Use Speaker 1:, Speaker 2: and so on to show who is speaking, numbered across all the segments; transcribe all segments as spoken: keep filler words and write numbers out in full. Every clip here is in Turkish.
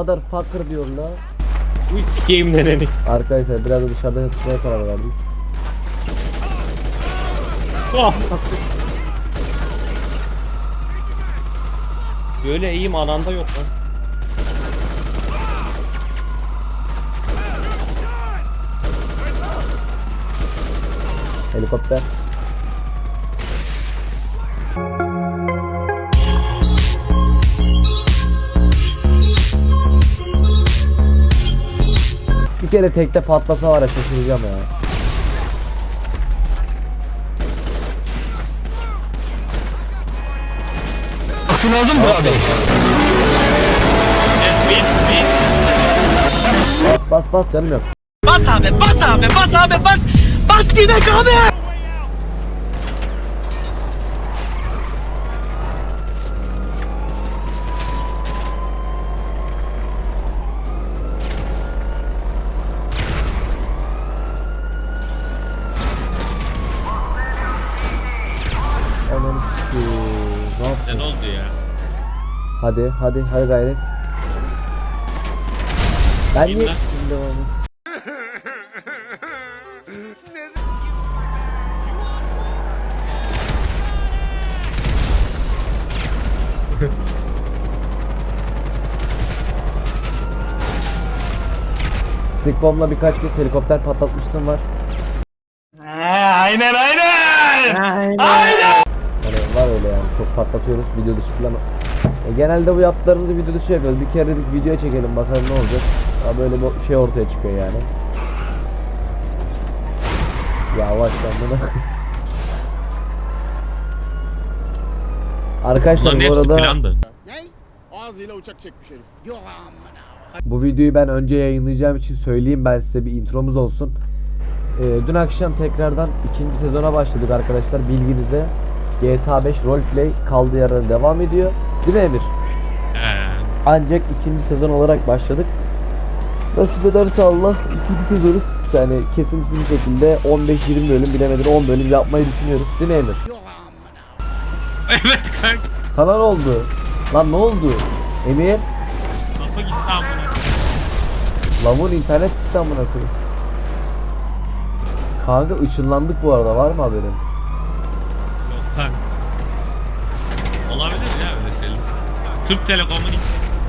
Speaker 1: Motherfucker diyor la.
Speaker 2: Bu sikeyim neneni.
Speaker 1: Arkadaşlar biraz da dışarıda tutmaya karar verdik.
Speaker 2: Oh. Böyle iyiyim ananda yok lan.
Speaker 1: Helikopter. Bir kere tekte patlasa var ya, şaşıracağım ya.
Speaker 3: Şunu aldın mı abi?
Speaker 1: Bas bas bas canım yok.
Speaker 3: Bas abi, bas abi, bas abi, bas. Bas gidek abi.
Speaker 1: Ananı sikeyim. Ne yaptın?
Speaker 2: Ne oldu ya?
Speaker 1: Hadi hadi hadi gayret. Ben niye
Speaker 2: İmdat.
Speaker 1: şimdi onu? Stick bomb'la birkaç kez helikopter patlatmıştım var.
Speaker 3: Aynen aynen.
Speaker 2: Aynen.
Speaker 1: Yani var öyle yani, çok patlatıyoruz video dışı falan. E, genelde bu yaptıklarımızı video dışı yapıyoruz. Bir kere dedik video çekelim bakalım ne olacak. Ya böyle bir şey ortaya çıkıyor yani. Yavaş lan bunu. Arkadaşlar
Speaker 2: Bunların
Speaker 1: bu
Speaker 2: hepsi
Speaker 1: arada
Speaker 2: plandı.
Speaker 4: Ağzıyla uçak çekmiş herif.
Speaker 1: bu videoyu ben önce yayınlayacağım için söyleyeyim, ben size bir intromuz olsun. Ee, dün akşam tekrardan ikinci sezona başladık arkadaşlar, bilginize. G T A beş Roleplay kaldığı yerden devam ediyor. Değil mi Emir?
Speaker 2: He.
Speaker 1: Ancak ikinci sezon olarak başladık. Nasip ederse Allah ikinci sezonu yani kesintisiz bir şekilde on beş yirmi bölüm, bilemedim on bölüm yapmayı düşünüyoruz. Değil mi Emir?
Speaker 2: Evet kanka.
Speaker 1: Sana ne oldu? Lan ne oldu? Emir?
Speaker 2: Kafa gitti amına.
Speaker 1: Lavun internet gitti amına koyayım. Kanka ışınlandık bu arada, var mı haberin?
Speaker 2: Yok kanka. Olabilir ya öyle şeyler. Türk Telekom'un ilk...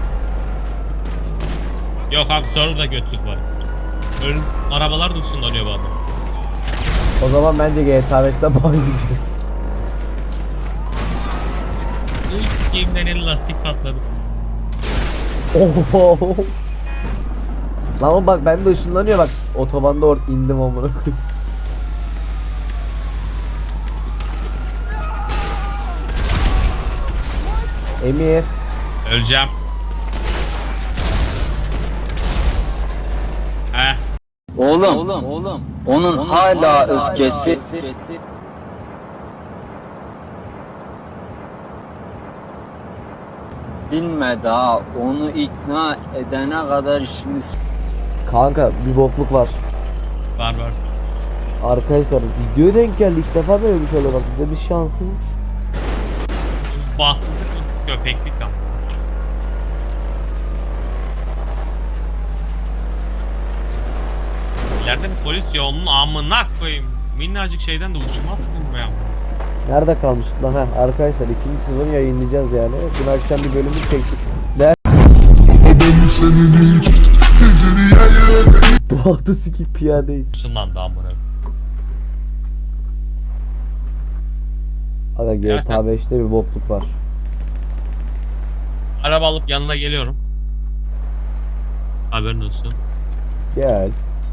Speaker 2: Yok abi sonra da götlük var. Ön arabalar da ısınlanıyor bu adam.
Speaker 1: O zaman bence G T A beşten bağlayacağız.
Speaker 2: Bu sikeyimden el lastik patladı.
Speaker 1: Oho. Lan oğlum bak bende ışınlanıyor bak. Otobanda or indim amına koyayım. Emir.
Speaker 2: Öleceğim. Heh.
Speaker 5: Oğlum, oğlum, oğlum, onun, onun hala, hala öfkesi, öfkesi dinmedi ha. Onu ikna edene kadar işimiz.
Speaker 1: Kanka bir bokluk var.
Speaker 2: Var var.
Speaker 1: Arkadaşlar videoya denk geldi, ilk defa böyle bir şey oluyor bak, bize bir şanssız.
Speaker 2: Bahtsızlık mı? Köpeklik ama. İleride bir polis yolunun amına koyayım. Minnacık şeyden de uçmaz mı ya?
Speaker 1: Nerede kalmıştık lan? Heh, arkadaşlar ikinci sezonu yayınlayacağız yani. Dün akşam bir bölümü çektik. Ne? Bu hafta sikip piyadeyiz.
Speaker 2: Işınlandı amına.
Speaker 1: Aga G T A beşte bir bokluk var.
Speaker 2: Araba alıp yanına geliyorum. Haberin olsun.
Speaker 1: Gel.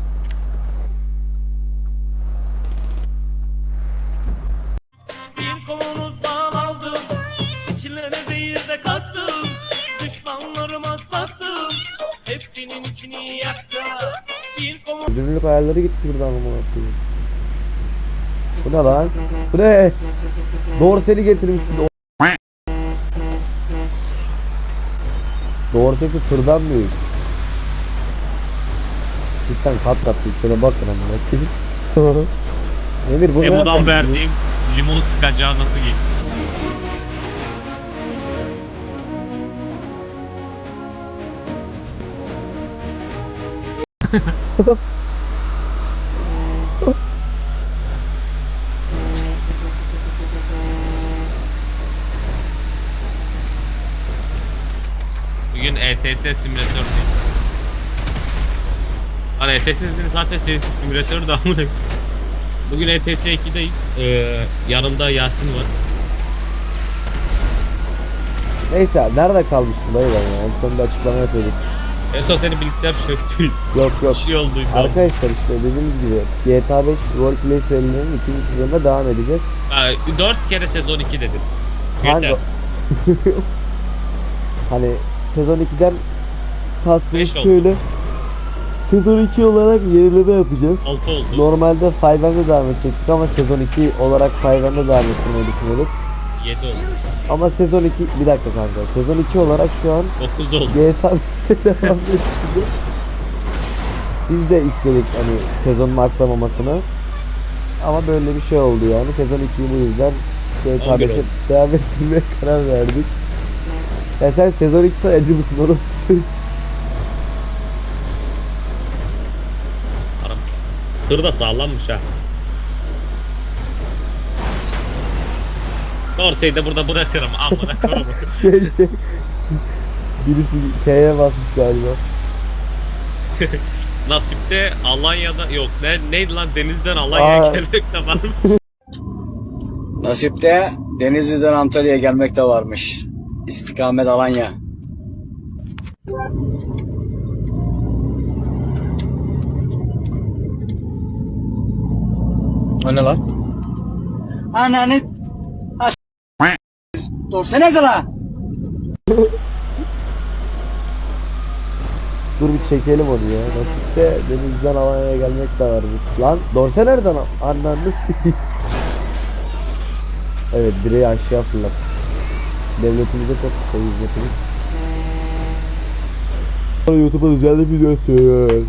Speaker 6: Bir kavanoz bal aldım, içlerine zehir de kattım, düşmanlarıma sattım, hepsinin içini yaktım. Bir kavanoz
Speaker 1: Gönüllülük ayarları gitti buradan ama koyayım. Bu ne lan? Bu ne? Dorseli getirmişti. Dorsesi tırdan büyük. Cidden kat kat büyük. Şöyle bakın ama. Emir bu ne?
Speaker 2: Emu'dan verdiğim limonu sıkacağı nasıl geliyor? Bugün E T S simülatör değil. Hani E T S'nin zaten serisi simülatör de amına. Bugün E T S iki'deyiz. Ee, yanımda Yasin var.
Speaker 1: Neyse nerede kalmıştım dayı ben ya? En sonunda açıklama yapıyorduk.
Speaker 2: En son seni bilgisayar çöktü.
Speaker 1: Yok yok.
Speaker 2: Bir şey olduydu.
Speaker 1: Arkadaşlar işte dediğimiz gibi G T A beş Roleplay serilerinin ikinci sezonunda devam edeceğiz.
Speaker 2: Ha, dört kere sezon iki dedim.
Speaker 1: Hangi...
Speaker 2: Yeter.
Speaker 1: Hani sezon ikiden kastımız
Speaker 2: Beş oldu.
Speaker 1: şöyle. Sezon iki olarak yenileme yapacağız.
Speaker 2: altı oldu.
Speaker 1: Normalde beş M'de devam edecektik ama sezon iki olarak beş M'de devam ettirmeyi düşünüyorduk.
Speaker 2: yedi oldu.
Speaker 1: Ama sezon iki, bir dakika kanka. Sezon iki olarak şu an
Speaker 2: dokuz oldu.
Speaker 1: G T A beşte devam edeceğiz. Biz de istedik hani sezonun aksamamasını. Ama böyle bir şey oldu yani. Sezon ikiyi bu yüzden G T A
Speaker 2: on bir
Speaker 1: beşe
Speaker 2: oldu.
Speaker 1: devam ettirmeye karar verdik. Ya sen sezon ikide acı mısın orası çocuk?
Speaker 2: Aram. Tır da sağlammış ha. Ortayı da burada bırakırım. Amına koyayım.
Speaker 1: Şey şey. Birisi T'ye basmış galiba.
Speaker 2: Nasipte Alanya'da yok. Ne neydi lan Deniz'den Alanya'ya
Speaker 1: Aa.
Speaker 2: gelmek de var.
Speaker 5: Nasipte Denizli'den Antalya'ya gelmek de varmış. İstikamet Alanya. O ne lan? Ananı... Dorse nerede lan?
Speaker 1: Dur bir çekelim onu ya. Nasipte Deniz'den Alanya'ya gelmek de varmış. Lan Dorse nereden? Ananı s**eyim. Evet direği aşağı fırlat. Devletimize çok kısa hizmetimiz. YouTube'a düzenli video atıyor.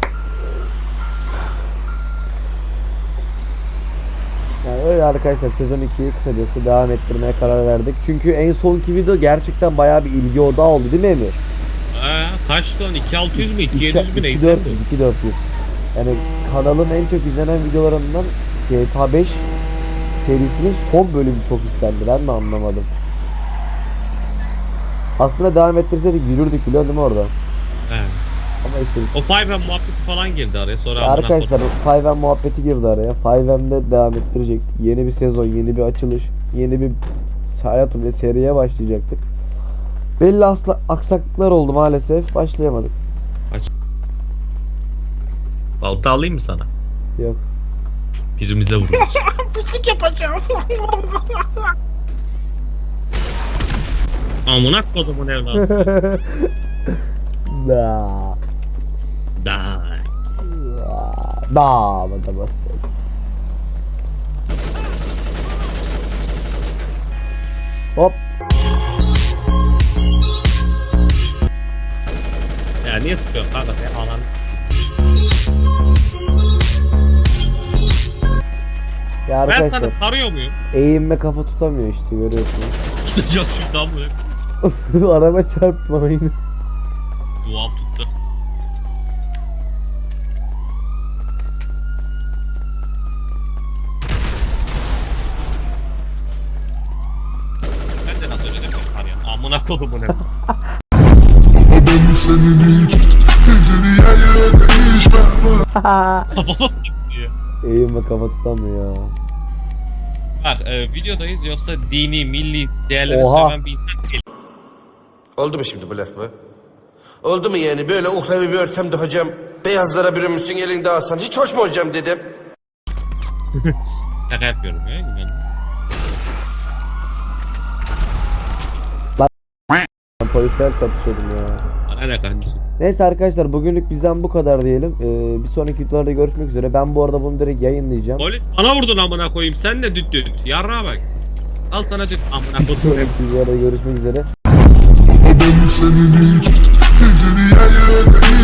Speaker 1: Yani öyle arkadaşlar sezon ikiyi kısacası devam ettirmeye karar verdik. Çünkü en sonki video gerçekten bayağı bir ilgi odağı oldu değil mi Emir?
Speaker 2: Ee, kaç lan? iki bin altı yüz mü? iki bin yedi yüz mü
Speaker 1: iki bin
Speaker 2: neydi?
Speaker 1: dört yüz, iki bin dört yüz. Yani kanalın en çok izlenen videolarından G T A beş serisinin son bölümü çok istendi. Ben mi anlamadım. Aslında devam ettirseydik yürürdük biliyor değil mi orada?
Speaker 2: He.
Speaker 1: Ama işte
Speaker 2: O Five M muhabbeti falan girdi araya sonra.
Speaker 1: ya
Speaker 2: amına
Speaker 1: arkadaşlar
Speaker 2: koyayım.
Speaker 1: beş M muhabbeti girdi araya. beş M'de devam ettirecektik. Yeni bir sezon, yeni bir açılış, yeni bir hayatım ve seriye başlayacaktık. Belli asla aksaklıklar oldu maalesef. Başlayamadık.
Speaker 2: Balta alayım mı sana?
Speaker 1: Yok.
Speaker 2: Birimize vururuz.
Speaker 3: Pislik yapacağım.
Speaker 2: Amına kodumun evladı.
Speaker 1: Da.
Speaker 2: Da.
Speaker 1: Da. Da bastı. Hop.
Speaker 2: Ya niye sıkıyorsun kanka sen anan?
Speaker 1: Ya
Speaker 2: Ben
Speaker 1: arkadaşlar
Speaker 2: sana sarıyor muyum?
Speaker 1: eğinme kafa tutamıyor işte görüyorsunuz.
Speaker 2: Tutacak şuradan mı?
Speaker 1: Araba çarptı ama yine.
Speaker 2: Duam tuttu. Ben de nasıl öyle dedim sarıyor. Amına kodumun ev. diye.
Speaker 1: Eğinme kafa tutamıyor.
Speaker 2: Bak e, videodayız yoksa dini, milli değerleri
Speaker 1: Oha.
Speaker 2: seven bir insan değil.
Speaker 7: Oldu mu şimdi bu laf mı? Oldu mu yani böyle uhrevi bir ortamda hocam beyazlara bürünmüşsün elinde alsan hiç hoş mu hocam dedim.
Speaker 2: Şaka yapıyorum ya. Yani.
Speaker 1: Ben polisler çatışıyordum ya.
Speaker 2: Bana ne kardeşim?
Speaker 1: Neyse arkadaşlar bugünlük bizden bu kadar diyelim. Ee, bir sonraki videolarda görüşmek üzere. Ben bu arada bunu direkt yayınlayacağım.
Speaker 2: Polis bana vurdun amına koyayım. Sen de düt düt. Yarrağa bak. Al sana düt amına
Speaker 1: Bir
Speaker 2: koyayım.
Speaker 1: sonraki videolarda görüşmek üzere.
Speaker 8: Ben senin için dünyayı